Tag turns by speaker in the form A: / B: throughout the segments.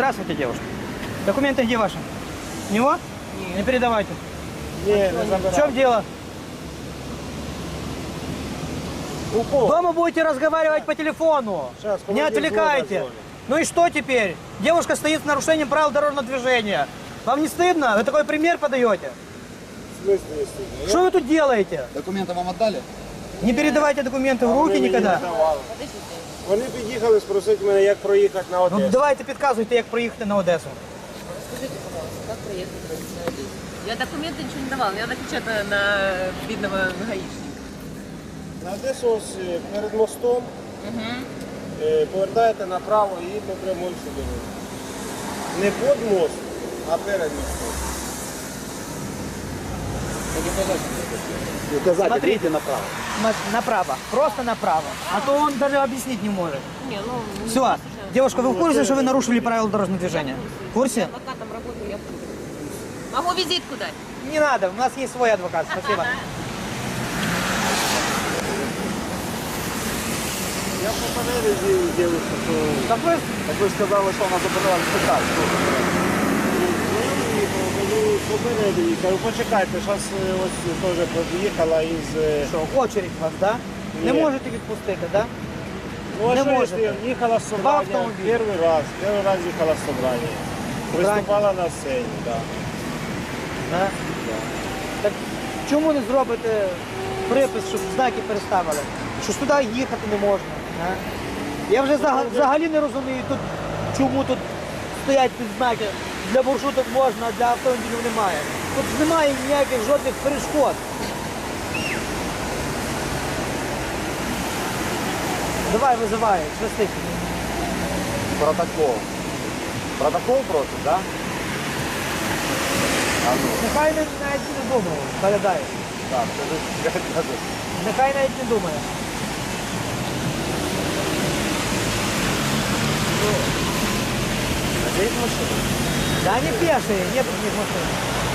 A: Здравствуйте, девушка. Документы где ваши? У него? Не передавайте.
B: Не
A: В чем дело? Дома будете разговаривать по телефону.
B: Сейчас,
A: Не отвлекайте. Ну и что теперь? Девушка стоит с нарушением правил дорожного движения. Вам не стыдно? Вы такой пример подаете?
B: В смысле не стыдно?
A: Что вы тут делаете?
C: Документы вам отдали?
A: Не передавайте документы в руки
B: Вони мені
A: никогда.
B: не давали. Вони під'їхали спросити мене, як проїхати на
A: Ну
B: Одесу.
A: давайте підказуйте, як проїхати на Одесу.
D: Скажите, пожалуйста, как проехать на Одессу? Я документы ничего не давала, я напечатала на видного гаишника.
B: На Одесу ось перед мостом повертаєте направо і по прямой сюди. Не під мост, а перед мостом.
A: Смотрите направо. Направо. Просто направо. А то он даже объяснить не может.
D: Не, ну...
A: Все. Девушка, вы в курсе, что вы нарушили правила дорожного движения? В курсе?
D: Я адвокатом работаю, я в курсе. Могу визитку дать?
A: Не надо, у нас есть свой адвокат. Спасибо.
B: Я попередив дівчинку, що
A: Так ви
C: Так ви ж сказали, що вона забирала спитати.
B: попередив їй, кажу, почекайте, зараз ось теж під'їхала із...
A: що, очередь у вас, да? Не
B: Ні.
A: можете відпустити, да?
B: Ну, а
A: Не
B: що,
A: можете.
B: якщо їхала з
A: Два
B: собрання,
A: автомобілі.
B: перший раз їхала з собрання. Виступала на сцені, так.
A: Да? Так чому не зробите припис, щоб знаки переставили? Що ж туди їхати не можна. Да? Я вже взагалі не розумію, тут, чому тут стоять ці знаки. Для маршруток можна, а для автомобілів немає. Тут немає ніяких жодних перешкод. Давай, визивай, швидко.
C: Протокол. Протокол просить, так? А ну,
A: Нехай навіть не думає, передай.
C: так, скажи.
A: Нехай навіть не думає.
C: Здесь машина?
A: Да они пешие, нет у них машин.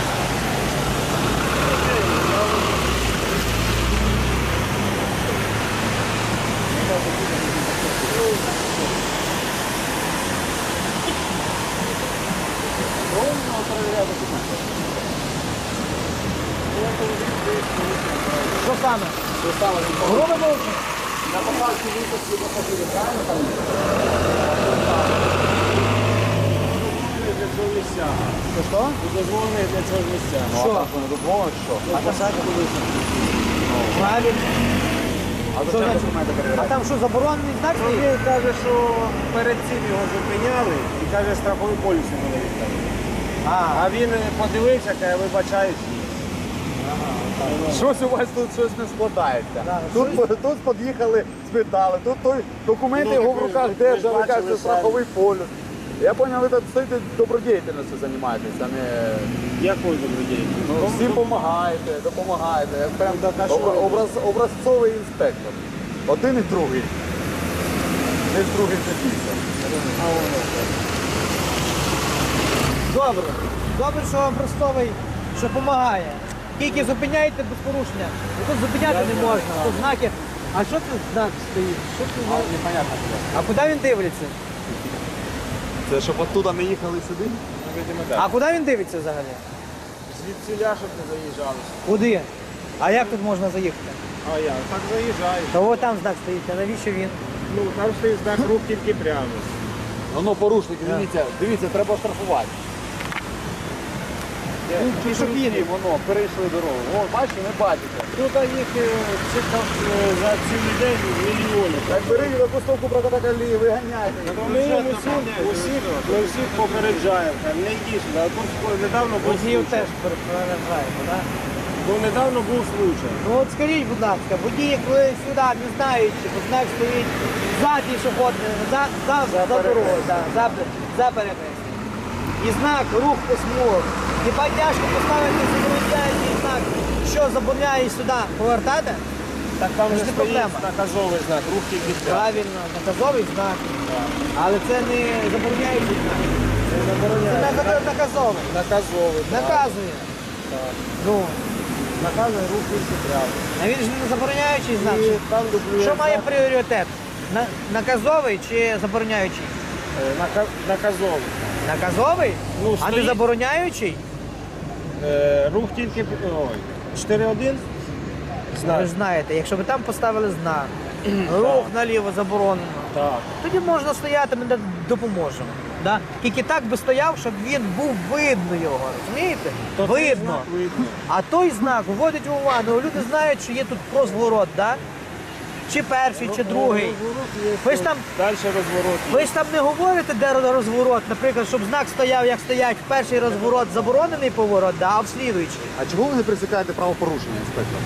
A: Что саме?
C: Що стало?
A: Грубо мовчи?
C: На поправці випуску пасажирів, правильно там?
B: Для цього місця.
A: Що?
B: Дозволений для цього місця.
C: Ну,
A: Що?
C: а так вони дозволять, що?
B: А посадку висадку.
A: Правильно.
C: А
A: Що
C: зачем
A: значить?
C: документи
A: А
C: перевіряти?
A: там що, заборонений знак стоїть?
B: Він каже, що перед цим його зупиняли і каже, страховий поліс йому не віддали. А він подивився, каже, вибачаюсь.
C: Щось у вас тут щось не складається.
A: Да,
C: Тут під'їхали, спитали, тут той документи
B: Ну,
C: його в
B: так ви
C: руках
B: ж
C: держали,
B: бачили
C: кажете,
B: самі.
C: страховий полюс. Я зрозумів, ви тут стоїте добродіяльністю займаєтесь, а не...
B: Якою добродією?
C: Ну, всім допомагаєте. Як прям
B: так, а що?
C: образцовий інспектор. Один і другий. Не з другим запіться.
A: Добре. Добре, що образцовий, що допомагає. Тільки зупиняєте без порушення. Бо тут зупиняти не можна. Тут знаки. А що тут знак стоїть? Що це за...
C: Непонятно.
A: А куди він дивиться?
C: Це щоб оттуда не їхали сюди?
A: А куди він дивиться взагалі?
B: Звідсіля, щоб не заїжджали.
A: Куди? А як тут можна заїхати?
B: А я так заїжджаю.
A: Та от там знак стоїть, а навіщо він?
B: Ну, там стоїть знак рух тільки прямо.
C: Воно порушники, дивіться, треба штрафувати.
A: Пішохідний.
C: Воно, перейшли дорогу. О, бачите, не бачите.
B: Тут їх за цілий день мільйони.
C: Так бери випустовку протоколі, виганяйте.
B: Ми їм усіх попереджаємо, не йди сюди. А тут недавно був
A: Водіїв
B: случай.
A: теж переражаємо, так?
B: Бо недавно був случай.
A: Ну от скажіть, будь ласка, водії, коли сюди не знаючи, бо знак стоїть за пішохідним, за дорогою, за перехрестям. І знак рух по смугах. Хіба тяжко поставити забороняючий знак, що забороняє сюди повертати?
B: Так там
A: Це
B: же
A: ж не
B: стоїть
A: проблема.
B: наказовий знак, рух тільки прямо.
A: Правильно, наказовий знак. Але це не забороняючий знак.
B: Це
A: Це
B: забороняє.
A: наказовий.
B: Наказовий. так.
A: Наказує.
B: Так.
A: Ну,
B: Наказує рух тільки прямо.
A: а він ж не забороняючий знак.
B: І там дублює
A: Що має
B: знак,
A: пріоритет? Наказовий чи забороняючий?
B: наказовий.
A: Наказовий?
B: Ну,
A: А не
B: стоїть.
A: забороняючий?
B: Рух тільки 4-1.
A: Ви ж знаєте, якщо ви там поставили знак, рух наліво заборонено,
B: Так.
A: тоді можна стояти, ми допоможемо. Да? Тільки так би стояв, щоб він був видно його, розумієте?
B: То цей
A: Видно.
B: знак видно.
A: А той знак вводить в увагу. Люди знають, що є тут розворот, да? Чи перший, чи другий. Ви ж там,
B: Далі розворот.
A: ви ж там не говорите, де розворот, наприклад, щоб знак стояв, як стоять в перший розворот, заборонений поворот, да? А в слідуючий.
C: А чого ви не присікаєте правопорушення, інспектор?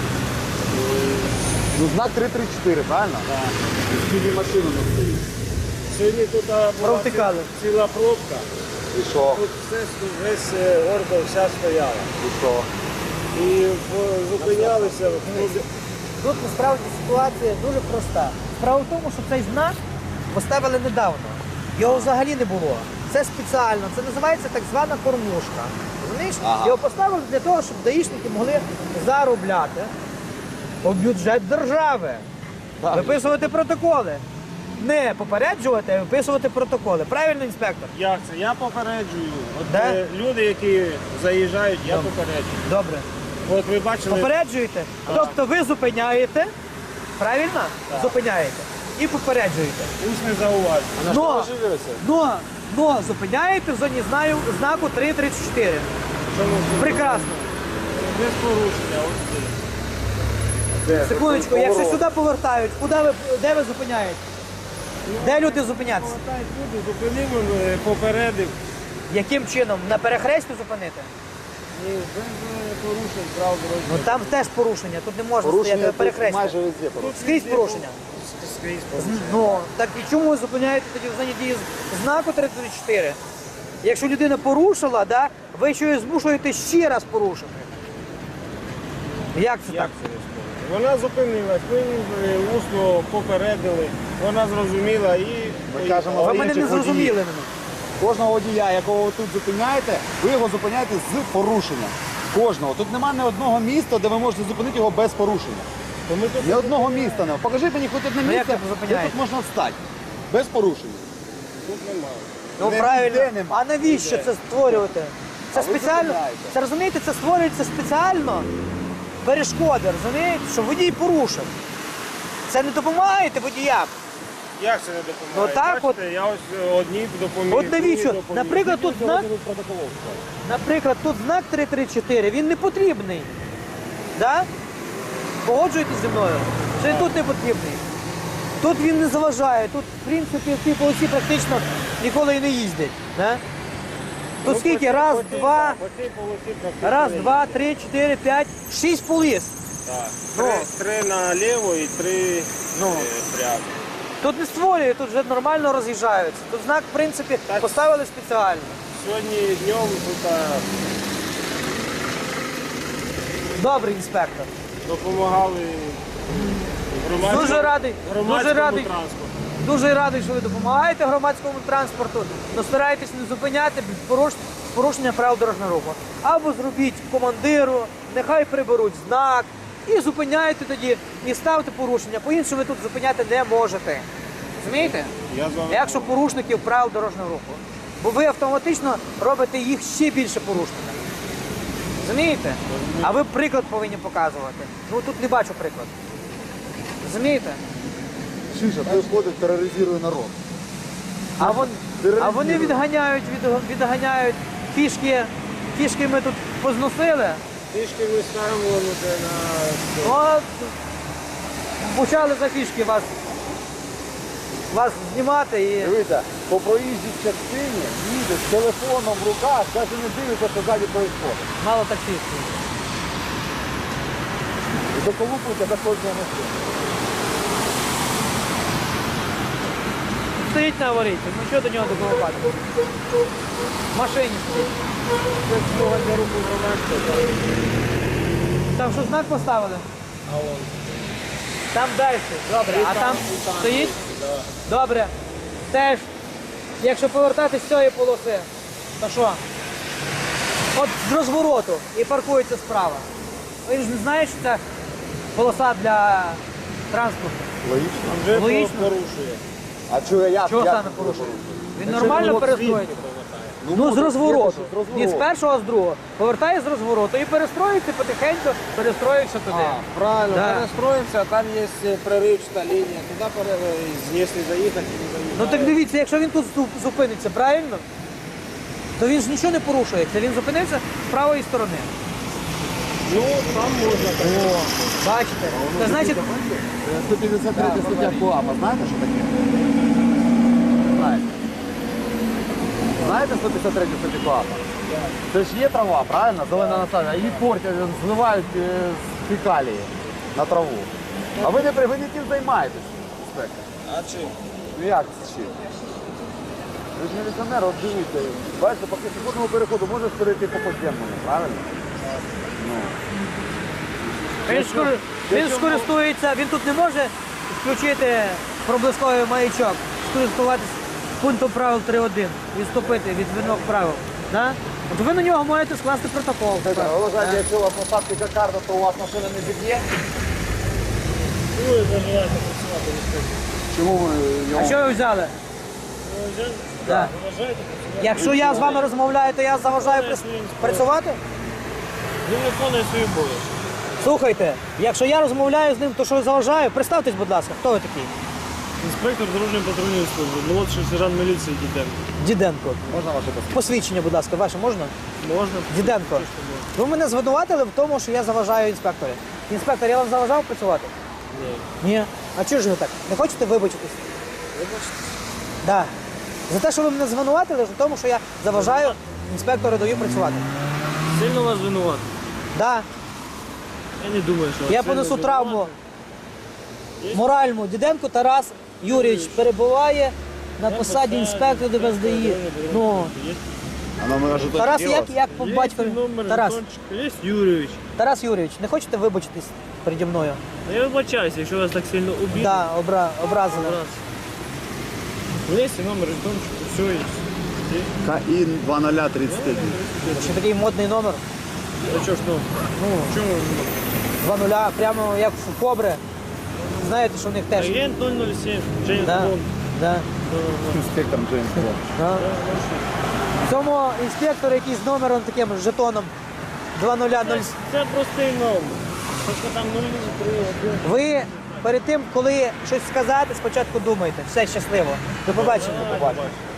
C: Ну, знак 334, правильно? Так. Скільки машину не стоїть.
B: Сьогодні тут була
A: Провтикали.
B: ціла пробка.
C: І що?
B: Тут весь гордо вся стояла.
C: І що?
B: І зупинялися.
A: Тут насправді ситуація дуже проста. Справа в тому, що цей знак поставили недавно. Його взагалі не було. Це спеціально, це називається так звана кормушка. Розумієш?
C: Ага.
A: Його поставили для того, щоб даїшники могли заробляти у бюджет держави,
C: Так.
A: виписувати протоколи. Не попереджувати, а виписувати протоколи. Правильно, інспектор?
B: Як це? Я попереджую. От
A: Де?
B: люди, які заїжджають, я попереджую.
A: Добре.
B: От ви бачили,
A: Попереджуєте? Тобто ви зупиняєте, правильно? Зупиняєте. І попереджуєте.
B: усне зауваження.
A: Но зупиняєте в зоні знаку 334.
B: Чому?
A: Прекрасно.
B: Без порушення. Ось тут.
A: Секундочку, якщо сюди повертають, де ви зупиняєте? Де люди зупинятися?
B: Повертають люди, зупинив, попередив.
A: Яким чином? На перехресті зупинити?
B: І без порушень прав
A: Ну
B: дорожнього.
A: там теж порушення, тут не можна стояти
C: Порушення
A: на
C: тут
A: перехресті.
C: майже везде порушення.
A: Скрізь порушення.
B: Скрізь порушення.
A: Ну, так і чому ви зупиняєте тоді в зоні дії знаку 334? Якщо людина порушила, да, ви ще її змушуєте ще раз порушити. Як це
B: Як
A: так?
B: це розповідати? Вона зупинилась, ми усно попередили, вона зрозуміла і
C: Ми кажемо,
A: Ви
C: за
A: мене не
C: інших
A: зрозуміли
C: водіїв.
A: мене.
C: Кожного водія, якого ви тут зупиняєте, ви його зупиняєте з порушенням. Кожного. Тут немає ні одного міста, де ви можете зупинити його без порушення.
B: то ми тут
C: Ні одного міста немає. Покажіть мені хоч одне
A: Ну, як
C: місце,
A: ви
C: де
A: зупиняєте?
C: тут можна встати. Без порушення.
B: немає.
A: Ну
C: Не
A: правильно.
C: ніде нема.
A: А навіщо це створювати? Це
C: А ви
A: спеціально.
C: зупиняєте.
A: Це розумієте, це створюється спеціально перешкоди, розумієте, що водій порушив. Це не допомагаєте водіям.
B: Як це не допомагає?
A: Ну, так
B: Бачите, я ось одні допоміг.
A: От навіщо?
B: другі допоміг.
A: Наприклад, тут знак,
C: Протоколов.
A: наприклад, тут знак 334, він не потрібний. Да? Погоджуєтесь зі мною? Що він тут не потрібний. Тут він не заважає, тут, в принципі, в цій полосі практично ніколи і не їздять. Да? Тут
B: Ну,
A: скільки?
B: по цій-
A: Раз,
B: по цій-
A: два,
B: так, по цій полосі практично
A: раз,
B: не
A: два,
B: їздять.
A: 3, 4, 5, 6 поліс.
B: Так.
A: Ну.
B: Три наліво і три
A: Ну.
B: прямо.
A: Тут не створює, тут вже нормально роз'їжджаються. Тут знак, в принципі,
B: Так.
A: поставили спеціально.
B: Сьогодні днем тут
A: Добрий інспектор.
B: допомагали громадському,
A: Дуже радий,
B: громадському
A: дуже радий.
B: транспорту.
A: Дуже радий, що ви допомагаєте громадському транспорту, але старайтесь не зупиняти порушення правил дорожнього руху. Або зробіть командиру, нехай приберуть знак і зупиняйте тоді, і ставте порушення. По-іншому ви тут зупиняти не можете. Розумієте?
B: Я з вами
A: Якщо порушників правил дорожнього руху. Бо ви автоматично робите їх ще більше порушниками. Розумієте? А ви приклад повинні показувати. Ну тут не бачу приклад. Розумієте?
C: Шиша, той ходить, тероризує народ.
A: А вони відганяють фішки. Фішки ми тут позносили.
B: Трішки ми ставимо на
A: От почали за фішки вас знімати і.
C: Дивіться, по проїжджій частині їде з телефоном в руках, навіть не дивиться, що ззаді відбувається.
A: Мало таксистів.
C: І доколупується до кожного машини.
A: Стоїть на аварійці, ну що до нього доколупати? В машині стоїть.
B: Це смуга для руху громадського.
A: Там що знак поставили? Там далі. Добре. А там стоїть? Добре. Теж, якщо повертатись з цієї полоси, то що? От з розвороту і паркується справа. Ви ж не знаєте, що це полоса для транспорту.
C: Логічно.
B: Вже
A: Логічно.
B: порушує.
C: А чого я?
A: Чого
C: як
A: саме
C: це
A: порушує?
C: порушує?
A: Він нормально
B: Якщо
A: перестоїть.
B: свідки повертає.
A: Ну, з розвороту.
C: З розвороту.
A: Не з першого, а з другого. Повертає з розвороту і перестроїться потихеньку, перестроївся туди.
B: Правильно,
A: Да.
B: перестроїмося, там є проривчата лінія, туди якщо заїхати, не заїхати.
A: Ну так дивіться, якщо він тут зупиниться, правильно? То він ж нічого не порушує. Це він зупинився з правої сторони.
B: Ну, там можна.
A: О, бачите? Це значить,
C: 153 стаття КУАПа, знаєте, що таке? Знаєте. Знаєте 153 стаття КУАПа? Це ж є трава, правильно? Зелена насадження. Її портять, зливають з фекалії на траву. А ви не тим займаєтесь, інспектор.
B: А чим?
C: Ну як це чим? Ви ж міліціонер, от дивіться. Бачите, по пішохідному переходу можеш перейти по подземному, правильно?
A: він скористується, він тут не може включити проблисковий маячок, скористуватися пунктом правил 3.1, відступити від вимог правил. Да? От ви на нього можете скласти протокол.
C: Ви вважаєте, якщо у вас посадки кокарда, то у вас машина не зіб'є? Чому ви
A: А
C: його...
A: що ви взяли? Да. Якщо я з вами розмовляю, то я заважаю працювати?
E: Він виконує свою обов'язки.
A: Слухайте, якщо я розмовляю з ним, то що заважаю? Представтесь, будь ласка, хто ви такий?
E: Інспектор дорожньої патрульної служби, молодший сержант міліції Діденко.
A: Діденко.
C: Можна ваше посвідчення?
A: Посвідчення, будь ласка, ваше можна?
E: Можна?
A: Діденко. Ви мене звинуватили в тому, що я заважаю інспекторі. Інспектор, я вам заважав працювати?
E: Ні.
A: Ні. А чого ж ви так? Не хочете вибачитись?
E: Вибачте.
A: Да. За те, що ви мене звинуватили, в тому, що я заважаю інспектору даю працювати.
E: Сильно вас винувати?
A: Да.
E: Я не думаю, що вас
A: Я
E: сильно
A: понесу
E: винувати.
A: травму моральну. Діденко Тарас Юрійович перебуває на посаді інспектора ДБСДІ. Ну,
C: А номер жетончик
A: Тарас,
C: є у вас?
A: як по
E: Є
A: батькові?
E: номер
A: Тарас.
E: жетончика, є Юрійович.
A: Тарас Юрійович, не хочете вибачитись переді мною?
E: Ну, я вибачаюся, якщо вас так сильно обідно.
A: Да, образили.
E: Є номер жетончика, все є.
C: КІН 2031.
A: Ще такий модний номер.
E: А що ж ну? Чому?
A: 2-0, прямо як в Кобри. Знаєте, що в них теж.
E: Агент 007, Джеймс
A: Да,
E: Бонд.
A: да,
C: Інспектор Джеймс Бонд.
A: да. В цьому інспектор якийсь з номером таким жетоном 2-0-0.
E: Це простий номер. Тільки там 031.
A: Ви перед тим, коли щось сказати, спочатку думайте. Все щасливо. До побачення.
E: Давай, побачимо.